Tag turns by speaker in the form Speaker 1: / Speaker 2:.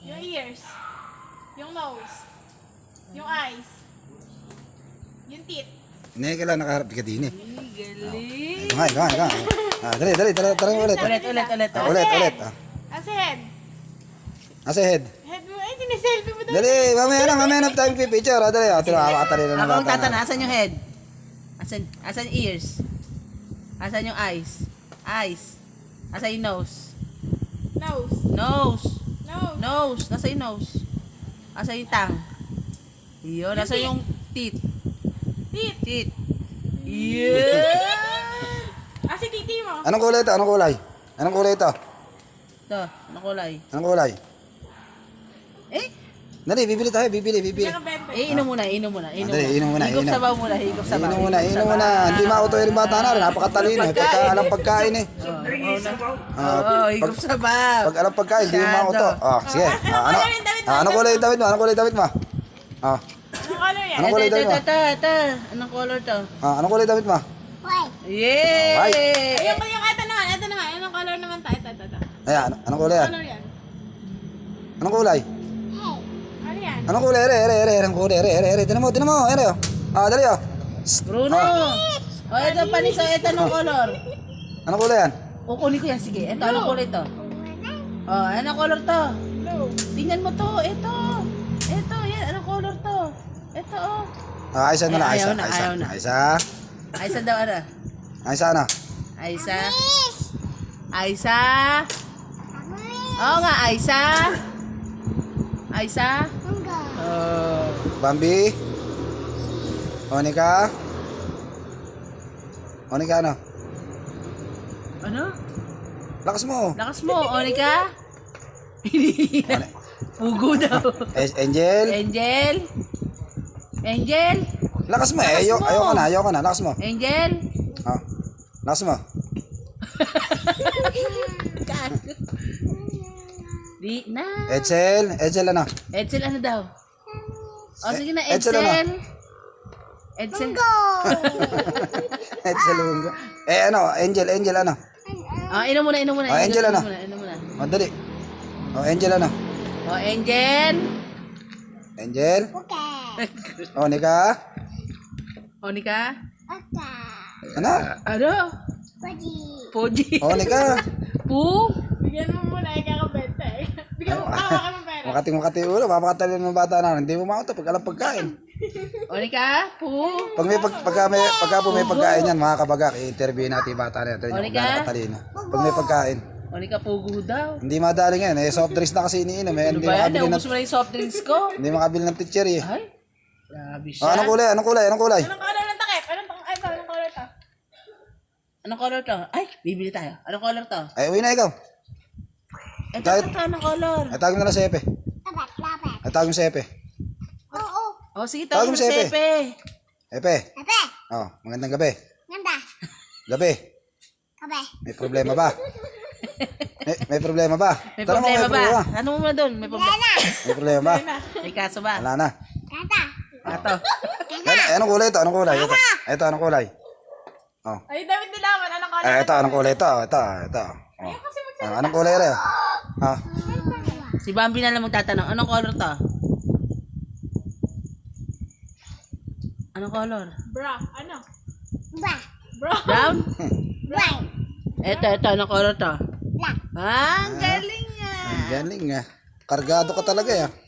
Speaker 1: Yung ears. Yung nose. Yung eyes. Yung teeth.
Speaker 2: Hindi, kailangan nakaharap ka din eh.
Speaker 3: Galing.
Speaker 2: Ito nga. Dali, tara ulit.
Speaker 3: Ulit.
Speaker 2: Ulit.
Speaker 1: As head.
Speaker 2: Asa head?
Speaker 1: Head mo. Ay, siniselfie mo daw.
Speaker 2: Dali, mamaya na tayo pipicture. Dali, tinakakatali na ng
Speaker 3: Ako ang
Speaker 2: bata na.
Speaker 3: tatanong, asan yung head? Asan yung ears? Asan yung eyes? Asan yung nose?
Speaker 1: Nose.
Speaker 3: Nose.
Speaker 1: Nose.
Speaker 3: Nose. Nasa yung nose? Asan yung tongue? Yun. Nasa yung teeth?
Speaker 1: Teeth.
Speaker 3: Teeth. Yeah!
Speaker 1: Ah, si titi mo.
Speaker 2: Anong kulay ito? Anong kulay ito?
Speaker 3: Ito, ano kulay?
Speaker 2: Anong kulay?
Speaker 3: Eh?
Speaker 2: Dali, bibili tayo, bibili.
Speaker 1: Nakabente.
Speaker 3: Inom muna.
Speaker 2: Dali, inom muna,
Speaker 3: Higop
Speaker 2: inom.
Speaker 3: sabaw muna.
Speaker 2: Inom muna. Hindi mauto yung bata na rin. Napakatalino eh. Pagka alam pagkain eh.
Speaker 3: Oo, higop sabaw.
Speaker 2: Pag alam pagkain, hindi mo mauto. Sige. Anong kulay yung damit mo?
Speaker 1: Anong color yan?
Speaker 2: Anong kulay damit mo?
Speaker 3: Ito. Anong color to?
Speaker 2: Anong kulay damit mo?
Speaker 3: Yay!
Speaker 1: Ayun, ito naman. Anong color naman tayo? Ito.
Speaker 2: Ayan, anong kulay yan?
Speaker 1: Color yan.
Speaker 2: Anong kulay?
Speaker 1: Ano yan?
Speaker 2: Anong kulay? Anong kulay? Tinan mo. Dali oh.
Speaker 3: Bruno! O, ito panisa. Ito anong color?
Speaker 2: Anong kulay yan?
Speaker 3: Kukunin ko yan. Sige. Ito, anong kulay to? O, anong color to?
Speaker 1: Blue.
Speaker 3: Tingnan mo to. Ito, yan. Anong color to? Ito, oh.
Speaker 2: Aysa na
Speaker 3: Ayaw
Speaker 2: Aysa.
Speaker 3: na, ayaw na. Aysa daw, ano?
Speaker 2: Aysa na.
Speaker 3: Aysa. Oo nga, Aysa. Oh.
Speaker 2: Bambi. Onika ano?
Speaker 3: Ano?
Speaker 2: Lakas mo.
Speaker 3: Lakas mo, Onika. Pugo daw.
Speaker 2: Angel.
Speaker 3: Angel.
Speaker 2: Lakas mo eh.
Speaker 3: Lakas mo.
Speaker 2: Ayoko na. Lakas mo.
Speaker 3: Angel.
Speaker 2: Lakas mo.
Speaker 3: Di na.
Speaker 2: Edsel ano?
Speaker 3: Edsel ano daw? O sige na,
Speaker 2: Edsel ano?
Speaker 3: Edsel.
Speaker 2: Edsel Lungo. Ano? Angel ano?
Speaker 3: Inom muna.
Speaker 2: Angel ano?
Speaker 3: Inom muna.
Speaker 2: Dali. Angel ano?
Speaker 3: O, Angel.
Speaker 2: Onika.
Speaker 3: Onika.
Speaker 2: Ano?
Speaker 3: Ano? Poji.
Speaker 2: Onika.
Speaker 3: Pu.
Speaker 1: Bigyan mo muna, ikakabente. Bigyan mo, ka ng pera.
Speaker 2: Makati ulo. Papakatalin ng bata na. Hindi mo mauto pag alam pagkain.
Speaker 3: Onika. Pu.
Speaker 2: Pagka po may pagkain yan, mga kabagak, i-interview natin yung bata na yan. Ito yung
Speaker 3: Onika?
Speaker 2: katalino. Pag may pagkain.
Speaker 3: Onika, pugo daw.
Speaker 2: Hindi madali ngayon. Soft drinks na kasi iniinom.
Speaker 3: Ano
Speaker 2: Hindi
Speaker 3: ba yan?
Speaker 2: makabili ng,
Speaker 3: Naubos mo na yung soft drinks ko.
Speaker 2: hindi makabili ng teacher eh.
Speaker 3: Ay, grabe siya.
Speaker 2: Anong kulay?
Speaker 1: Anong color ng takip? Anong color to?
Speaker 3: Anong color to? Ay, bibili tayo. Anong color to?
Speaker 2: Ay, uwi na ikaw.
Speaker 3: Ito, anong color?
Speaker 2: Ay, tawag mo na lang si Epe. Ay, tawag mo si Epe.
Speaker 3: O, sige,
Speaker 2: Tawag
Speaker 3: tawag mo
Speaker 2: mo si
Speaker 3: si
Speaker 2: Epe.
Speaker 3: Epe.
Speaker 2: Epe. Magandang gabi. Gabi. May problema ba? May problema ba?
Speaker 3: May
Speaker 2: Tanong mo,
Speaker 3: problema ba?
Speaker 2: problema.
Speaker 3: Ano mo na doon? May problema.
Speaker 2: May problema ba?
Speaker 3: May kaso ba?
Speaker 2: Wala na.
Speaker 3: Ato.
Speaker 2: Anong kulay ito? Ito, anong kulay?
Speaker 1: Ay, David Dilawan. Anong color?
Speaker 2: Ito, anong kulay ito? Anong kulay rin?
Speaker 3: Si Bambi na lang magtatanong. Anong color to? Anong color?
Speaker 1: Bra. Ano?
Speaker 3: Brown? Ito. Anong color to? Ang galing nga.
Speaker 2: Ang galing nga. Kargado ka talaga eh.